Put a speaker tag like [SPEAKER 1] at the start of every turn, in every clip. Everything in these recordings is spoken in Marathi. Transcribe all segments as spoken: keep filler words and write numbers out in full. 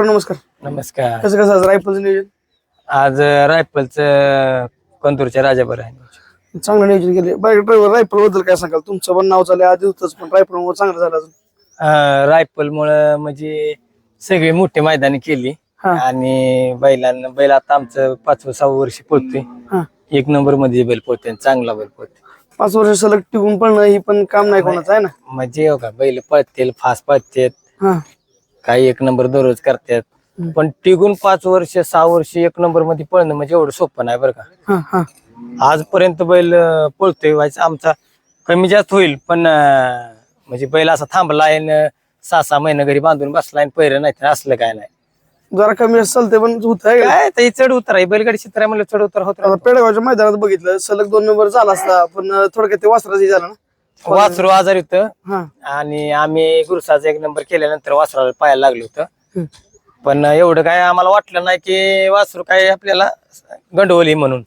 [SPEAKER 1] मित्रांनो नमस्कार.
[SPEAKER 2] नमस्कार.
[SPEAKER 1] कसं कसं आज रायफलचं नियोजन?
[SPEAKER 2] आज रायफलचं कंदूरच्या राजाभर आहे.
[SPEAKER 1] चांगलं नियोजन केले. ड्रायव्हर रायफल बद्दल काय सांगाल? तुमचं पण नाव झालं आधी होतच, पण रायफल चांगलं झालं अजून.
[SPEAKER 2] रायफल मुळे म्हणजे सगळी मोठी मैदानी केली आणि बैलांना बैल आता आमचं पाचवं सहावं वर्ष पळतोय. एक नंबर मध्ये बैल पळतोय, चांगला बैल पळतोय.
[SPEAKER 1] पाच वर्ष सलग टिकून पळणं ही पण काम नाही कोणाचं आहे ना.
[SPEAKER 2] म्हणजे हो का, बैल पळतील, फास्ट पळतात, काही एक नंबर दररोज करतात, पण टिकून पाच वर्ष सहा वर्ष एक नंबर मध्ये पळणं म्हणजे एवढं सोपं नाही बरं का. आजपर्यंत बैल पळतोय, व्हायचं आमचा कमी जास्त होईल, पण म्हणजे बैल असा थांबलाय सहा सहा महिने घरी बांधून बसलाय, पहिरं नाही तर असलं काय नाही.
[SPEAKER 1] जरा कमी चालते पण होत आहे
[SPEAKER 2] काय ते चढ उतर आहे, बैलगाडी चित्र आहे म्हणलं चढ उतर होत.
[SPEAKER 1] पेडगावच्या मैदानात बघितलं सलग दोन नंबर झाला असता, पण थोडक्यात ते वासराची झालं ना.
[SPEAKER 2] वासरू आजार होतं आणि आम्ही गुरुसाचा एक नंबर केल्यानंतर वासराला पाहायला लागलो होतं, पण एवढं काय आम्हाला वाटलं नाही की वासरू काय आपल्याला गंडवली म्हणून.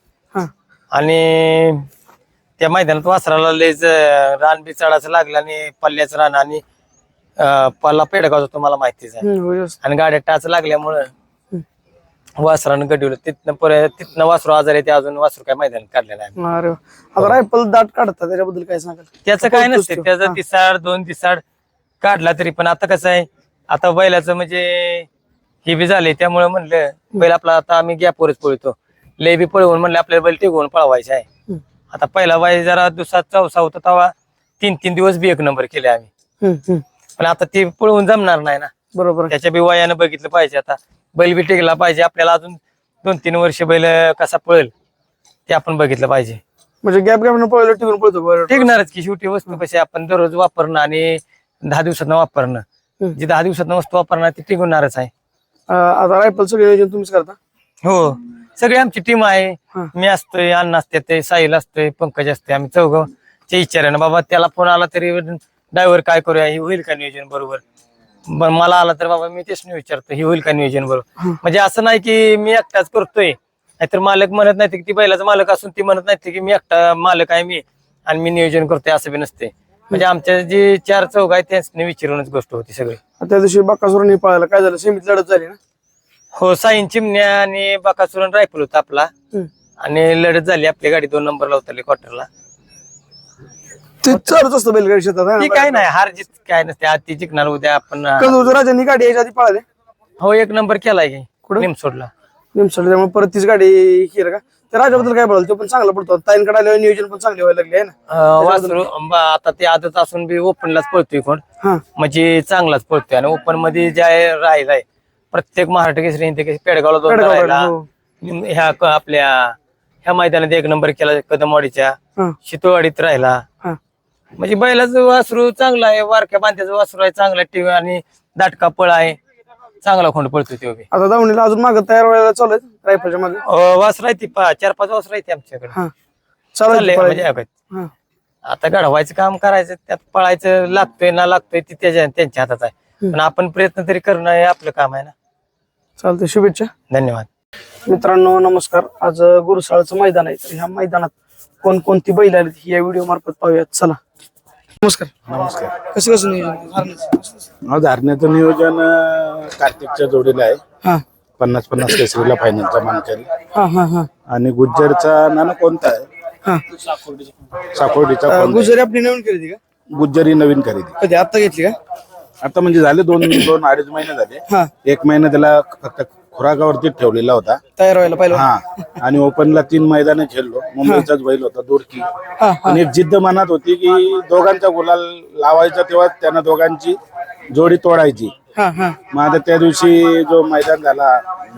[SPEAKER 2] आणि त्या मैदानात वासराला लयच रान बी चढायचं लागलं आणि पल्ल्याचं रान आणि पल्ला पेडगावचा तुम्हाला माहितीच आहे, आणि गाड्या टाच लागल्यामुळं वासरानं गडवलं. तिथनं परत तिथनं वासरू आजार येते, अजून वासरू काय मैदानात काढलं नाही.
[SPEAKER 1] आता रायफल दाट काढतात, त्याच्याबद्दल काय सांगाल?
[SPEAKER 2] त्याचं काय नसते, त्याचा तिसाड दोन तिसाड काढला तरी पण आता कसं आहे, आता बैलाचं म्हणजे हे बी झाले, त्यामुळे म्हणलं बैल आपला आता आम्ही गॅपवरच पळतो. लय बी पळवून म्हणलं आपल्याला बैल टिकवून पळवायचं आहे. आता पहिला बाई जरा दुसरा चौसा होता तेव्हा तीन तीन दिवस बी एक नंबर केले आम्ही, पण आता ते पळवून जमणार नाही ना. बरोबर, त्याच्या बी वयानं बघितलं पाहिजे. आता बैल बी टिकला पाहिजे, आपल्याला अजून दोन तीन वर्ष बैल कसा पळेल ते आपण बघितलं पाहिजे.
[SPEAKER 1] म्हणजे गॅप गॅप पळलं टिकून पळतो,
[SPEAKER 2] टिकणारच की. शेवटी वस्तू कशी आपण दररोज वापरणं आणि दहा दिवसात वापरणं, जी दहा दिवसात वस्तू वापरणार ती टिकवणारच आहे.
[SPEAKER 1] आता रायफलचं नियोजन तुम्हीच करता?
[SPEAKER 2] हो, सगळी आमची टीम आहे. मी असतोय, अण्णा असते, ते साहिल असतोय, पंकज असते, आम्ही चौघच्या इच्छाने बाबा त्याला फोन आला तरी ड्रायव्हर काय करूया, ही होईल का नियोजन बरोबर. मला आला तर बाबा मी तेच नाही विचारतो, ही होईल का नियोजन बरोबर. म्हणजे असं नाही की मी एकटाच करतोय, नाहीतर मालक म्हणत नाही की ती बैलाचा मालक असून ती म्हणत नाही की मी एकटा मालक आहे मी आणि मी नियोजन करतोय, असं बी नसते. म्हणजे आमच्या जे चार चौघ आहेत त्यांनी विचारूनच गोष्ट होती सगळी.
[SPEAKER 1] त्या दिवशी बकासुरांनी पळायला काय झालं, सेमीत लढत झाली ना?
[SPEAKER 2] हो, साईन चिमण्या आणि बकासुरन रायफल होता आपला, आणि लढत झाली. आपली गाडी दोन नंबरला उतरली क्वार्टरला.
[SPEAKER 1] ते चालूच असतं बैलगाडी शेतात,
[SPEAKER 2] काय नाही, हार जीत काय नसते. आज ती जिंकणार, उद्या आपण.
[SPEAKER 1] राजांनी गाडी याच्या आधी पळाले?
[SPEAKER 2] हो, एक नंबर केलाय की निमसोडला.
[SPEAKER 1] निमसोड, त्यामुळे परत तीच गाडी केलं का? त्या राजाबद्दल काय बोलाल? तो पण चांगला पडतो, ताईंकडे आल्यावर नियोजन पण चांगले व्हायला लागले ना.
[SPEAKER 2] वासरू आता ते आदत असून बी ओपनलाच पळतोय कोण, म्हणजे चांगलाच पळतोय. आणि ओपन मध्ये जे राहिलाय प्रत्येक महाराष्ट्र केसरी हिंद केसरी पेडगावला दोन राहिला, ह्या आपल्या ह्या मैदानात एक नंबर केला, कदमवाडीच्या शितोवाडीत राहिला. म्हणजे बैलाचं वासरू चांगला आहे, वारक्या बांध्याचं वासरू आहे, चांगला टीव्ही आणि दाटका पळ आहे, चांगला खोंड पळतोय तो बी.
[SPEAKER 1] आता दावणीला अजून मागे तयार व्हायला चालू आहे रायफलच्या मागे?
[SPEAKER 2] वासरू आहे ती चार पाच वासरू आहे आमच्याकडे.
[SPEAKER 1] चाललंय
[SPEAKER 2] म्हणजे आता घडवायचं काम करायचं, त्यात पळायचं लागतोय ना लागतोय ती त्याच्या त्यांच्या हातात आहे, पण आपण प्रयत्न तरी करणं हे आपलं काम आहे ना.
[SPEAKER 1] चालतंय, शुभेच्छा.
[SPEAKER 2] धन्यवाद.
[SPEAKER 1] मित्रांनो नमस्कार. आज गुरुसाळचं मैदान आहे, तर ह्या मैदानात कोणकोणती बैल आली ही या व्हिडिओ मार्फत पाहूयात. चला. नमस्कार.
[SPEAKER 3] नमस्कार.
[SPEAKER 1] कसं कसं नियोजन?
[SPEAKER 3] धारण्याचं नियोजन कार्तिकच्या जोडीला आहे, पन्नास पन्नास केसरीला फायनलचा मानकरी. आणि गुज्जरचा नाना कोणता आहे? साकोर्डीचा.
[SPEAKER 1] गुजरी आपली नवीन खरेदी का?
[SPEAKER 3] गुज्जरी नवीन खरेदी.
[SPEAKER 1] कधी आता घेतली का?
[SPEAKER 3] आता म्हणजे झाले दोन दोन अडीच महिने झाले. एक महिना त्याला फक्त खुराकावरती ठेवलेला होता,
[SPEAKER 1] तयार व्हायला पाहिजे.
[SPEAKER 3] हा, आणि ओपनला तीन मैदाने खेळलो. मुंबईचाच बैल होता, दोडकी. आणि एक जिद्द मनात होती की दोघांचा गुलाल लावायचा, तेव्हा त्यांना दोघांची जोडी तोडायची. मग आता त्या दिवशी जो मैदान झाला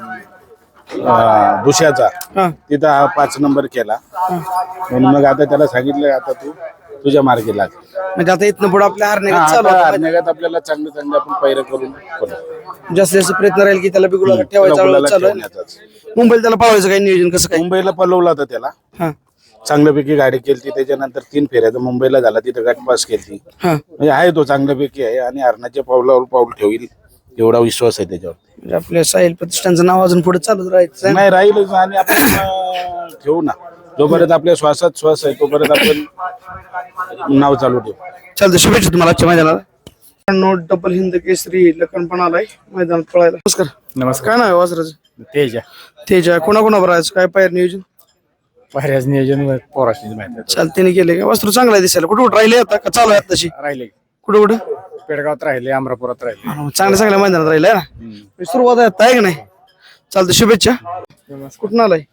[SPEAKER 3] दुसऱ्याचा, तिथं हा पाच नंबर केला. म्हणून मग आता त्याला सांगितलं आता तू तुझ्या मार्गी लाग.
[SPEAKER 1] म्हणजे आता इथनं पुढे आपल्या
[SPEAKER 3] हरण्यागात आपल्याला चांगलं चांगलं आपण पैर करून
[SPEAKER 1] जास्तीत जास्त प्रयत्न राहील की त्याला बिगुला ठेवायचा. मुंबईला त्याला पळवायचं काही नियोजन कसं काय?
[SPEAKER 3] मुंबईला पळवला होता त्याला, चांगल्यापैकी गाडी केली. त्याच्यानंतर तीन फेऱ्या मुंबईला झाला, तिथं गट पास केली. म्हणजे आहे तो चांगल्यापैकी आहे, आणि हरणाच्या पावलावर पाऊल ठेवील एवढा विश्वास आहे त्याच्यावर.
[SPEAKER 1] आपल्या साहिल प्रतिष्ठानचं नाव अजून पुढे चालूच राहायचं
[SPEAKER 3] नाही, राहीलच. आणि आपण ठेवू ना, जोपर्यंत आपल्या श्वासात श्वास आहे तोपर्यंत आपण नाव चालू ठेवू.
[SPEAKER 1] चालतं, शुभेच्छा तुम्हाला आजच्या मैदानाला. डबल हिंद केसरी लखन पण आलाय मैदानात पळायला. नमस्कार.
[SPEAKER 4] नमस्कार.
[SPEAKER 1] काय नाव आहे वासराचं?
[SPEAKER 4] तेजा
[SPEAKER 1] तेजा कोणाकोणावर आहे काय पायर नियोजन?
[SPEAKER 4] पायऱ्याच नियोजन पोराशी माहिती
[SPEAKER 1] चालतेने केले का? वस्त्र चांगला आहे दिसायला. कुठे कुठे राहिले आता का चालू आहे तशी?
[SPEAKER 4] राहिले.
[SPEAKER 1] कुठे कुठे
[SPEAKER 4] पेडगावात राहिले, अमरापुरात राहिले.
[SPEAKER 1] चांगल्या चांगल्या मैदानात राहिले ना. सुरुवात आहे आता आहे का नाही? चालतं, शुभेच्छा. कुठून आलाय?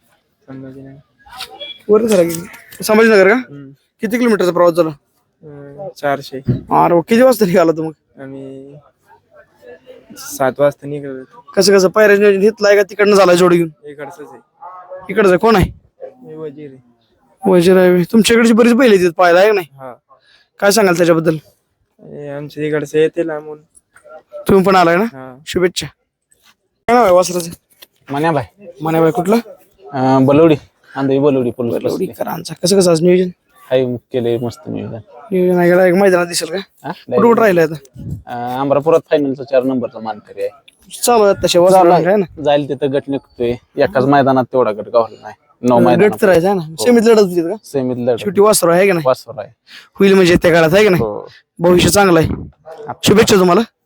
[SPEAKER 1] वर झाला की संभाजीनगर का? किती किलोमीटरचा प्रवास झाला?
[SPEAKER 5] चारशे.
[SPEAKER 1] अरे वा, किती वाजता निघाला तू मग?
[SPEAKER 5] आम्ही सात वाजता निघालो.
[SPEAKER 1] कसं कसं पायऱ्याचं नियोजन घेतलाय का तिकडनं झालाय जोडी घेऊन?
[SPEAKER 5] इकडचंच आहे.
[SPEAKER 1] इकडचं कोण आहे?
[SPEAKER 5] मी वजीर आहे.
[SPEAKER 1] वजीर आहे. तुमच्याकडची बरीच बैल येतात पाहायला आहे का नाही?
[SPEAKER 5] हा.
[SPEAKER 1] काय सांगाल त्याच्याबद्दल?
[SPEAKER 5] हे आमच्या इकडचं येते लांबून.
[SPEAKER 1] तुम्ही पण आलाय ना?
[SPEAKER 5] हा.
[SPEAKER 1] शुभेच्छा. काय नाव आहे वासराचं?
[SPEAKER 6] मन्याबाई
[SPEAKER 1] मनाबाई कुठलं?
[SPEAKER 6] बलवडी आंधळी बलवडी पोलीस
[SPEAKER 1] करांचा. कसं कसं आज नियोजन?
[SPEAKER 6] हाय केले मस्त नियोजन.
[SPEAKER 1] नियोजन आहे का? एक मैदानात दिसेल का?
[SPEAKER 6] हा?
[SPEAKER 1] कुठं कुठं राहिलं आता?
[SPEAKER 6] अं, अमरापुरात फायनलचा चार नंबरचा मानकरी आहे.
[SPEAKER 1] चालू आहे तसे
[SPEAKER 6] चालू
[SPEAKER 1] वासरा
[SPEAKER 6] आहे.
[SPEAKER 1] काय ना?
[SPEAKER 6] जाईल तिथं गट निघतोय. एकाच मैदानात तेवढा गट गावला नाही. नऊ मैदान
[SPEAKER 1] गट तर आहे ना. सेमीत लढत होती का?
[SPEAKER 6] सेमीत लढ
[SPEAKER 1] शेवटी वासरा आहे का नाही?
[SPEAKER 6] वासवर आहे.
[SPEAKER 1] होईल म्हणजे त्या काळात आहे का नाही?
[SPEAKER 6] हो.
[SPEAKER 1] भविष्य चांगलं आहे. शुभेच्छा तुम्हाला.